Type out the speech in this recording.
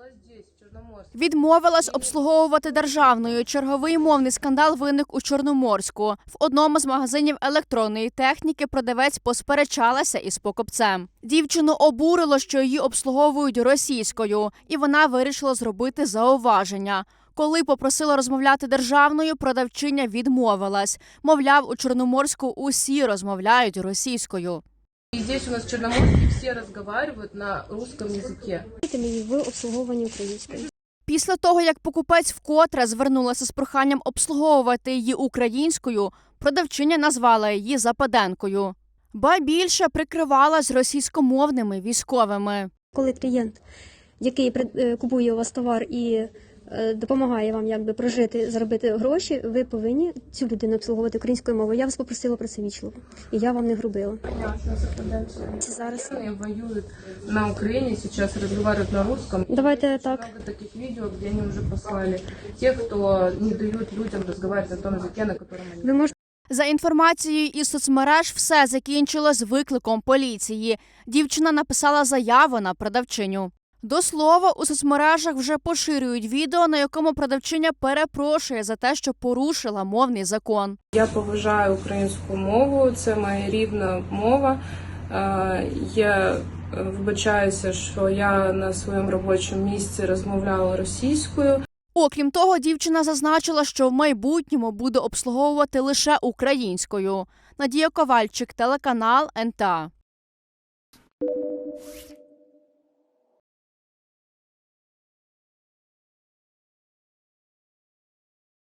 Відмовилась обслуговувати державною. Черговий мовний скандал виник у Чорноморську. В одному з магазинів електронної техніки продавець посперечалася із покупцем. Дівчину обурило, що її обслуговують російською, і вона вирішила зробити зауваження. Коли попросила розмовляти державною, продавчиня відмовилась. Мовляв, у Чорноморську усі розмовляють російською. И здесь у нас в Черноморске все разговаривают на русском языке. Ви обслуговувані українською. Після того, як покупець вкотре звернулася з проханням обслуговувати її українською, продавчиня назвала її Западенкою. Ба більше прикривалась російськомовними військовими. Коли клієнт, який купує у вас товар і допомагає вам прожити, заробити гроші, ви повинні цю людину обслуговувати українською мовою. Я вас попросила про це вічливо, і я вам не грубила. Зараз воюют на Украине, сейчас разговаривают на русском. Давайте так. Много таких видео, где они уже послали тех, кто не дают людям разговаривать на том языке, на котором они... Ви можете За інформацією із соцмереж, все закінчилось викликом поліції. Дівчина написала заяву на продавчиню. До слова, у соцмережах вже поширюють відео, на якому продавчиня перепрошує за те, що порушила мовний закон. Я поважаю українську мову, це моя рідна мова. Я вибачаюся, що я на своєму робочому місці розмовляла російською. Окрім того, дівчина зазначила, що в майбутньому буде обслуговувати лише українською. Надія Ковальчик, телеканал НТА.